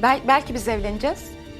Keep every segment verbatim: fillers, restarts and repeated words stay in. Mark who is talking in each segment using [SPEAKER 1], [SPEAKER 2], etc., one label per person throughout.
[SPEAKER 1] Bel belki biz evleneceğiz.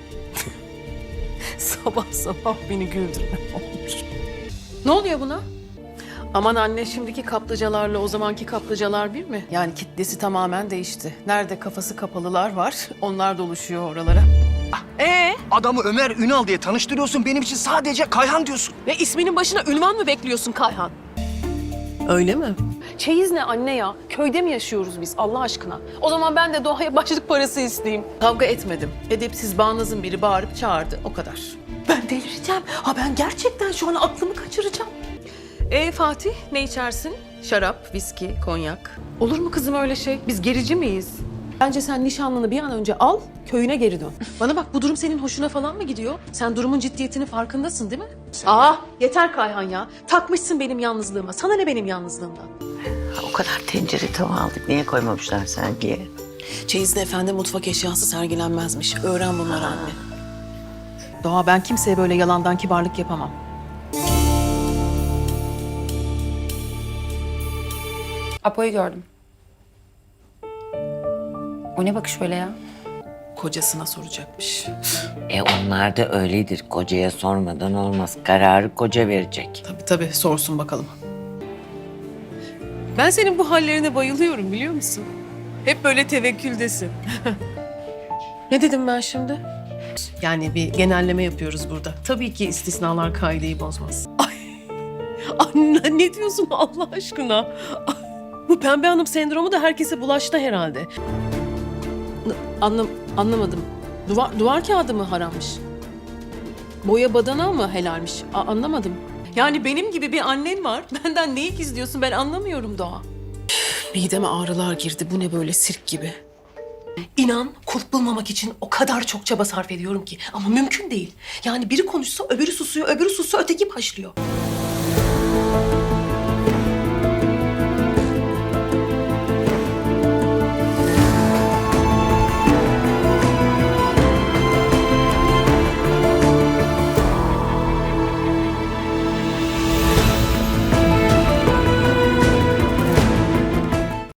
[SPEAKER 2] Sabah sabah beni güldürme olmuş.
[SPEAKER 1] Ne oluyor buna?
[SPEAKER 2] Aman anne, şimdiki kaplıcalarla o zamanki kaplıcalar bir mi? Yani kitlesi tamamen değişti. Nerede kafası kapalılar var, onlar doluşuyor oralara.
[SPEAKER 3] Ee, adamı Ömer Ünal diye tanıştırıyorsun. Benim için sadece Kayhan diyorsun.
[SPEAKER 2] Ve isminin başına ünvan mı bekliyorsun Kayhan? Öyle mi? Çeyiz ne anne ya? Köyde mi yaşıyoruz biz Allah aşkına? O zaman ben de Doğa'ya başlık parası isteyeyim. Kavga etmedim. Edepsiz bağnazın biri bağırıp çağırdı, o kadar. Ben delireceğim. Ha ben gerçekten şu an aklımı kaçıracağım. Ee Fatih, ne içersin? Şarap, viski, konyak. Olur mu kızım öyle şey? Biz gerici miyiz? Bence sen nişanlını bir an önce al, köyüne geri dön. Bana bak, bu durum senin hoşuna falan mı gidiyor? Sen durumun ciddiyetinin farkındasın değil mi? Aa, yeter Kayhan ya. Takmışsın benim yalnızlığıma. Sana ne benim yalnızlığımdan?
[SPEAKER 4] O kadar tencere tava aldık. Niye koymamışlar sergiye?
[SPEAKER 2] Çeyizde efendi mutfak eşyası sergilenmezmiş. Öğren bunları anne. Doğa, ben kimseye böyle yalandan kibarlık yapamam.
[SPEAKER 1] Apo'yu gördüm. O ne bakış öyle ya?
[SPEAKER 2] Kocasına soracakmış.
[SPEAKER 4] E onlar da öyledir. Kocaya sormadan olmaz. Kararı koca verecek.
[SPEAKER 2] Tabii tabii, sorsun bakalım. Ben senin bu hallerine bayılıyorum, biliyor musun? Hep böyle tevekküldesin. Ne dedim ben şimdi? Yani bir genelleme yapıyoruz burada. Tabii ki istisnalar kaideyi bozmaz. Ay, anne ne diyorsun Allah aşkına? Ay, bu pembe hanım sendromu da herkese bulaştı herhalde. Anlam anlamadım. Duvar, duvar kağıdı mı harammış? Boya badana mı helalmiş? A- anlamadım. Yani benim gibi bir annen var. Benden neyi gizliyorsun, ben anlamıyorum Doğa. Mideme ağrılar girdi. Bu ne böyle, sirk gibi. İnan, kulp bulmamak için o kadar çok çaba sarf ediyorum ki. Ama mümkün değil. Yani biri konuşsa öbürü susuyor, öbürü susuyor, öteki başlıyor.